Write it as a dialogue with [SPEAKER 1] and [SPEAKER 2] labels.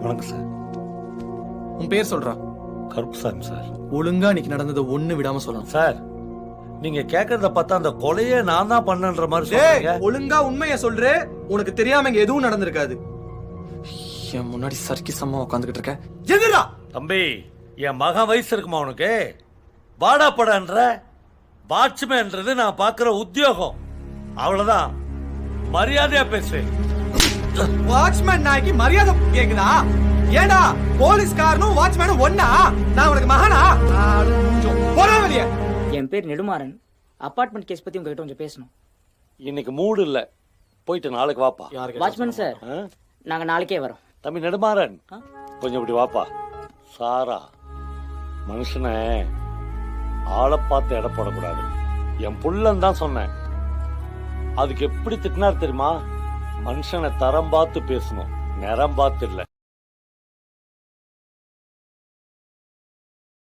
[SPEAKER 1] வணக்கம் சார்.
[SPEAKER 2] உன் பேர் சொல்றா.
[SPEAKER 1] கருப்புசாமி சார்.
[SPEAKER 2] ஒழுங்கா இன்னைக்கு நடந்ததை ஒண்ணு விடாம சொல்லணும்
[SPEAKER 1] சார். நீங்க கேக்குறத பார்த்தா அந்த கொலையே நான் தான் பண்ணன்ற மாதிரி சொல்றீங்க.
[SPEAKER 2] ஒழுங்கா உண்மையை சொல்றே. உனக்கு தெரியாம இங்க எதுவும் நடந்திருக்காது. என் முன்னாடி சர்க்கி சம்மா உட்காந்துக்கிட்டு இருக்க. எதிரா
[SPEAKER 1] தம்பி, என் மகன் வயசு இருக்குமா உனக்கு? வாடா படன்ற வாட்ச்மேன்றது நான் பாக்குற உத்தியோகம். அவ்வளவுதான், மரியாதையா பேசு.
[SPEAKER 2] வாட்ச்மேன் நாய்க்கு மரியாதை கேக்குதா? ஏடா போலீஸ்காரனும் வாட்ச்மேனும் ஒண்ணா? நான் உனக்கு மகனா? போடா வெளிய.
[SPEAKER 3] என் பேர் நெடுமாறன். அபார்ட்மெண்ட் கேஸ் பத்தி உங்ககிட்ட கொஞ்சம் பேசணும்.
[SPEAKER 1] இன்னைக்கு மூடு இல்ல, போயிட்டு நாளைக்கு வாப்பா.
[SPEAKER 3] வாட்ச்மேன் சார், நாங்க நாளைக்கே வரோம்.
[SPEAKER 1] தம்பி நெடுமாறன், கொஞ்சம் இப்படி வாப்பா. சாரா, மனுஷனை ஆளை பார்த்து எடை போடக்கூடாது. என் புள்ளன் தான் சொன்னேன். அதுக்கு எப்படி திட்டினார் தெரியுமா? மனுஷனை தரம் பார்த்து பேசணும், நிறம் பார்த்து இல்லை.